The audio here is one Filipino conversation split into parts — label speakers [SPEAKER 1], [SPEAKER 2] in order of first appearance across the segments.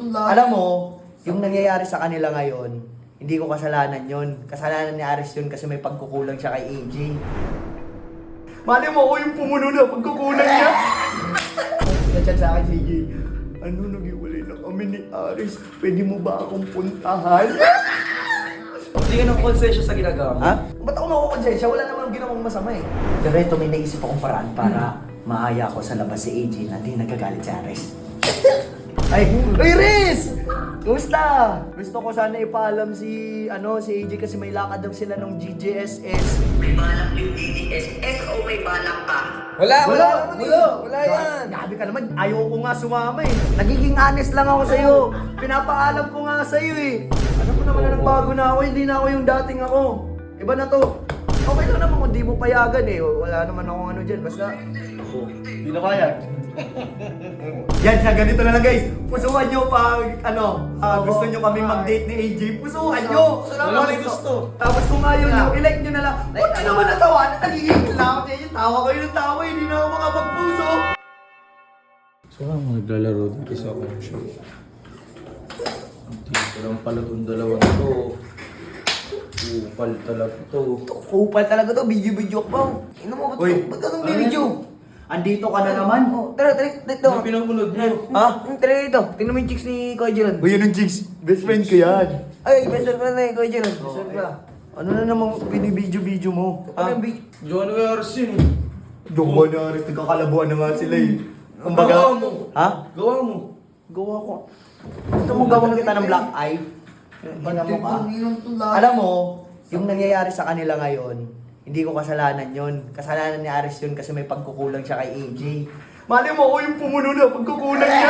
[SPEAKER 1] itong lahat.
[SPEAKER 2] Alam mo, yung nangyayari sa kanila ngayon, hindi ko kasalanan yon. Kasalanan ni Aris yun kasi may pagkukulang siya kay AJ. Mali mo ako yung pumuno na pagkukulang niya. Nag-chat sa akin si AJ. Ano, nag-iwalay na kami ni Aris. Pwede mo ba akong puntahan?
[SPEAKER 3] Hindi ka ng konsensya sa ginagawa mo.
[SPEAKER 2] Ha? Ba't ako makukonsensya? Wala namang ginawang masama eh. Pero ito, may naisip akong paraan para maaya ko sa labas si AJ na di nagkagalit si Aris. Ay, Riz! Kumusta? Gusto ko sana ipaalam si AJ kasi may lakad daw sila ng GGSS.
[SPEAKER 4] May balak yung DDSS o may balak ka?
[SPEAKER 3] Wala yan.
[SPEAKER 2] Gabi ka naman, ayaw ko nga sumama eh. Nagiging honest lang ako sa'yo. Pinapaalam ko nga sa'yo eh. Alam mo naman na nagbago na ako, hindi na ako yung dating ako. Iba na to. Okay lang naman kung di mo payagan eh. Wala naman akong ano dyan, basta... Hindi na kaya. Yan siya, ganito na lang guys. Pusuhan nyo pag gusto nyo kami mag-date ni AJ. Pusuhan nyo.
[SPEAKER 3] Wala may gusto.
[SPEAKER 2] Tapos kung ayaw nyo, i-like nyo na lang. Huwag ka naman natawa. Nagiging lang ako yung tawa kayo ng tawa. Hindi na ako makapagpuso.
[SPEAKER 3] So nga naglalaro dito sa console. Dito lang pala itong dalawang to. Upal talaga to.
[SPEAKER 2] Kupal talaga to. Video ka pa. Ino mo, ba't ka nung video? Andito ka na naman. Tara, dito.
[SPEAKER 3] Ano pinamunod mo?
[SPEAKER 2] Ha? Tara dito. Tingnan mo yung chicks ni Kuya Jeron. Uy, yun yung chicks. Best friend ko yan. Ay, best friend ko na Kuya Jeron. Best friend ko. Ano na naman binibidyo-video mo?
[SPEAKER 3] Ano yung John Wars yun.
[SPEAKER 2] Gawa na rin. Nagkakalabuan na nga sila eh. Kumbaga,
[SPEAKER 3] Gawa mo.
[SPEAKER 2] ha?
[SPEAKER 3] Gawa mo.
[SPEAKER 2] Gawa ko. Gusto mo gawin kita ng black eye? Ina mo ka. Alam mo, yung nangyayari sa kanila ngayon, hindi ko kasalanan yon. Kasalanan ni Aris yun kasi may pagkukulang siya kay AJ. Mali mo ako yung pumuno na pagkukulang niya.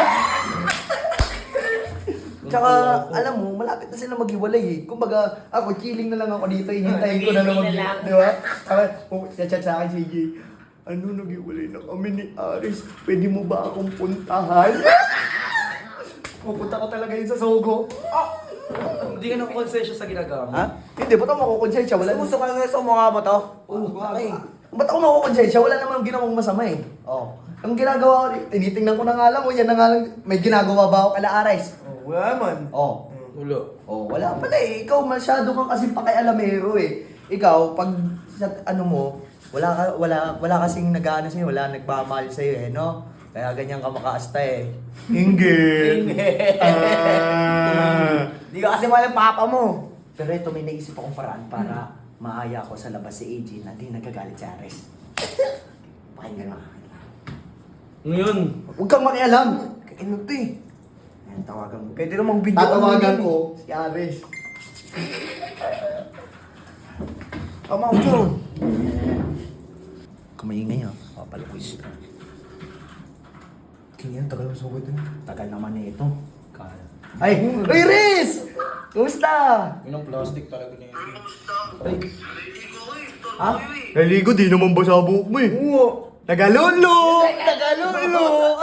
[SPEAKER 2] Tsaka, alam mo, malapit na sila maghiwalay eh. Kumbaga, ako, chilling na lang ako dito. Hihintayin ko na lang di ba? Chat sa akin si AJ. Ano, naghiwalay na kami ni Aris. Pwede mo ba akong puntahan? Pupunta ka talaga yun sa Sogo.
[SPEAKER 3] Hindi ka ng konsensya sa ginagawa mo.
[SPEAKER 2] Ha? Hindi, ba't ako makukonsensya? Wala
[SPEAKER 1] Gusto ka nga sa mukha mo to?
[SPEAKER 2] Okay. Ba't ako makukonsensya? Wala namang ginawang masama eh. Oh. Ang ginagawa ko, tinitingnan ko na nga lang, yan na nga lang, may ginagawa ba ako kala Aris?
[SPEAKER 1] Wala naman.
[SPEAKER 2] Oh.
[SPEAKER 3] Wala.
[SPEAKER 2] Oh, wala pala eh. Ikaw masyado kang kasi pakialamero eh. Ikaw, pag sa ano mo, wala kasing nag-aano sa'yo, wala nagmamahal sa'yo eh, no? Kaya ganyan ka makaasta eh. Inggit!
[SPEAKER 1] Hindi ka kasi mahal ang papa mo.
[SPEAKER 2] Pero ito, may naisip akong paraan para maaya ko sa labas si AJ na di nagkagalit si Aris. Pakinggan mo.
[SPEAKER 3] Ano yun?
[SPEAKER 2] Huwag kang makialam.
[SPEAKER 1] Ano to eh?
[SPEAKER 2] Ayan, tawagan mo.
[SPEAKER 1] Pwede namang video.
[SPEAKER 2] Tatawagan ko si Aris.
[SPEAKER 1] Tama ko dyan.
[SPEAKER 2] Kumaingay ha. Papalukoy.
[SPEAKER 1] Kanya, tagal mo sa ito.
[SPEAKER 2] Tagal naman na ito. Ay! Riz! Kumusta?
[SPEAKER 3] Yun ang plastic talaga niya.
[SPEAKER 2] Ay.
[SPEAKER 4] Naliligo ko eh. Torbo
[SPEAKER 2] Ha?
[SPEAKER 4] yun eh.
[SPEAKER 2] Naligo, di naman basa buhok mo eh. Oo. Tagalolo! Tagalolo!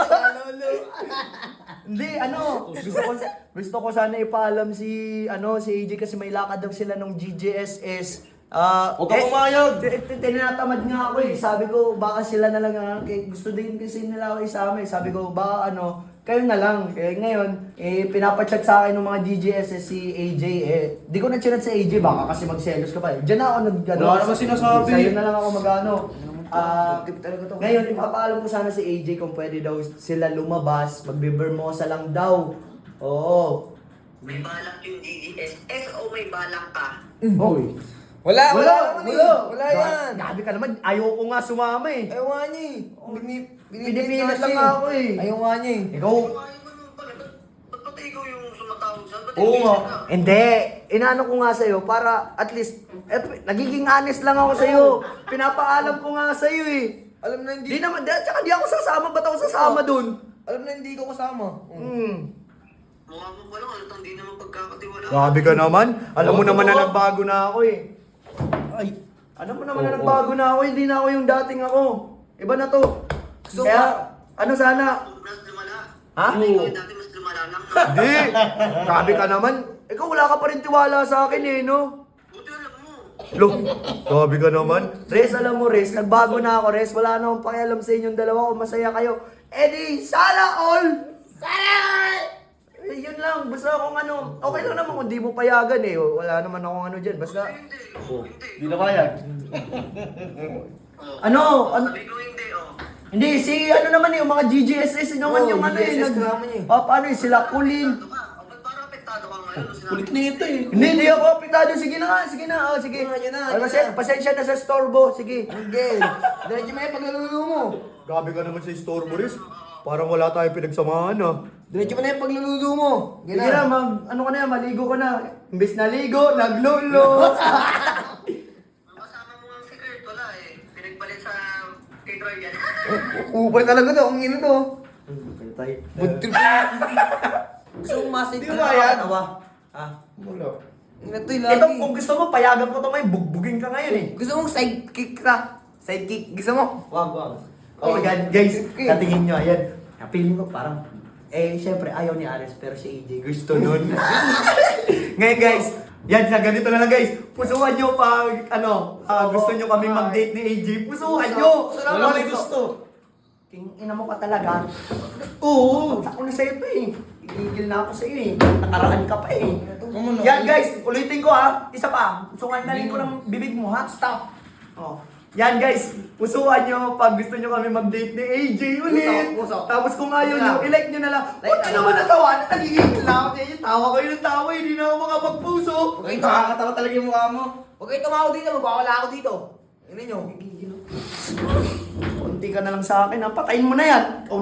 [SPEAKER 2] Hindi, gusto ko sana ipaalam si AJ kasi may lakad daw sila ng GGSS.
[SPEAKER 3] Huwag ka pumayag!
[SPEAKER 2] Tinatamad nga ako eh. Sabi ko, baka sila na lang, gusto din kasi nila ako isama eh. Sabi ko, baka kayo na lang. Ngayon, pinapachat sa akin ng mga GGSS si AJ eh. Di ko na-chat si AJ, baka kasi magselos ka pa eh. Diyan na ako
[SPEAKER 3] Wala naman sinasabi.
[SPEAKER 2] Sa'yo na lang ako ngayon, ipapaalam ko sana si AJ kung pwede daw sila lumabas, magbe-Bermosa lang daw. Oo.
[SPEAKER 4] May balak yung DDSS o may balak ka?
[SPEAKER 2] Hoy.
[SPEAKER 1] Wala yan.
[SPEAKER 2] Gabi ka naman, ayaw ko nga sumama eh.
[SPEAKER 1] Ayaw nga niya eh.
[SPEAKER 2] Pinipilit lang nga ako eh.
[SPEAKER 1] Ayaw nga niya eh.
[SPEAKER 2] Ikaw,
[SPEAKER 4] Ayaw mo naman pala. Ba't pati ikaw yung sumatawag saan? Ba't
[SPEAKER 1] Oo
[SPEAKER 4] hindi
[SPEAKER 1] nga.
[SPEAKER 4] siya?
[SPEAKER 2] hindi. Inaano ko nga sa'yo para at least, nagiging honest lang ako sa'yo. Pinapaalam ko nga sa'yo eh.
[SPEAKER 1] Alam na hindi.
[SPEAKER 2] Tsaka di ako sasama, ba't ako sasama dun?
[SPEAKER 1] Alam na hindi ko kasama.
[SPEAKER 4] Mukha mo pa lang, halatang di naman pagkakatiwala.
[SPEAKER 2] Grabe ka naman. Alam mo naman na nagbago na ako eh.
[SPEAKER 1] Ay.
[SPEAKER 2] Alam mo naman na nagbago na ako, hindi na ako yung dating ako. Iba na to.
[SPEAKER 1] So,
[SPEAKER 2] Kaya, sana?
[SPEAKER 4] Mas lumala.
[SPEAKER 2] Ha?
[SPEAKER 4] Ikaw dati mas lumala lang na.
[SPEAKER 2] Hindi. Grabe ka naman. Ikaw wala ka pa rin tiwala sa akin eh, no?
[SPEAKER 4] Buti alam mo.
[SPEAKER 2] Lo, grabe ka naman. Res, alam mo Res, nagbago na ako Res. Wala na akong pakialam sa inyong dalawa kung masaya kayo. Eh di, sana all! Sana all! Eh, yun lang. Basta kung ano, okay lang naman kung di mo payagan eh. Wala naman akong ano dyan. Basta,
[SPEAKER 4] Hindi, hindi.
[SPEAKER 3] Di na kaya.
[SPEAKER 2] ano,
[SPEAKER 4] Sabi ko hindi,
[SPEAKER 2] hindi, si ano naman yung mga GGSS naman
[SPEAKER 1] Oo,
[SPEAKER 2] yung ano
[SPEAKER 1] GGSS
[SPEAKER 2] eh.
[SPEAKER 1] naman eh.
[SPEAKER 2] Paano eh, sila Kulin.
[SPEAKER 4] Apektado ka. Ba't parang apektado ka ngayon?
[SPEAKER 3] Kulit na ito eh.
[SPEAKER 2] Hindi ako apektado. Sige na nga, sige na. Oh, sige.
[SPEAKER 1] Yun na,
[SPEAKER 2] Ay,
[SPEAKER 1] yun na.
[SPEAKER 2] pasensya na sa storbo. Sige.
[SPEAKER 1] Angel, diretso mo yung pagluluto mo.
[SPEAKER 2] Grabe ka naman sa store mo, Riz. Parang wala tayong pinagsamahan, ah.
[SPEAKER 1] Diretso mo na yung pagluluto mo.
[SPEAKER 2] Sige na, ano ka na, maligo ka na. Imbes na ligo, naglulo.
[SPEAKER 4] Ang kasama mo ang si Kurt, wala eh. Pinagpalit sa kay Troy yan.
[SPEAKER 1] Upal talaga to, ang ino to.
[SPEAKER 2] Pantay.
[SPEAKER 1] Budtrip na. Gusto mong masay
[SPEAKER 2] Di ba yan? Ah.
[SPEAKER 1] Wala. Ino to yung lagi.
[SPEAKER 2] Ito, kung gusto mo, payagan ko to may bugbugin ka ngayon eh.
[SPEAKER 1] Gusto mong sidekick ka. Sidekick, gusto mo?
[SPEAKER 2] Wag. Oh, yan, guys. Natingin nyo, ayan. Feeling ko parang, syempre ayaw ni Ares, pero si AJ gusto nun. Ngayon guys, yan, sa ganito na lang guys. Pusuhan nyo pag, gusto nyo kami mag-date ni AJ. Pusuhan nyo!
[SPEAKER 3] Wala may gusto.
[SPEAKER 2] King ina mo ka talaga. Oo, ako na sa'yo to eh. Igigil na ako sa'yo eh. Nakaraan ka pa eh. Yan guys, ulitin ko ha. Isa pa. Pusuhan na rin ko ng bibig mo ha. Stop. Oh. Yan guys, pusuhan nyo pag gusto nyo kami mag-date ni AJ ulit.
[SPEAKER 1] Puso.
[SPEAKER 2] Tapos kung ayaw nyo, i-like nyo na lang. Huwag nyo naman natawa. Nagigigil na ako sa inyo. Tawa kayo ng tawa. Hindi na ako makapagpuso.
[SPEAKER 1] Huwag kayo nakakatawa talaga yung mukha mo. Huwag kayo tumawa dito, magwawala ako dito. Ano nyo?
[SPEAKER 2] Konti ka na lang sa akin ha. Patayin mo na yan.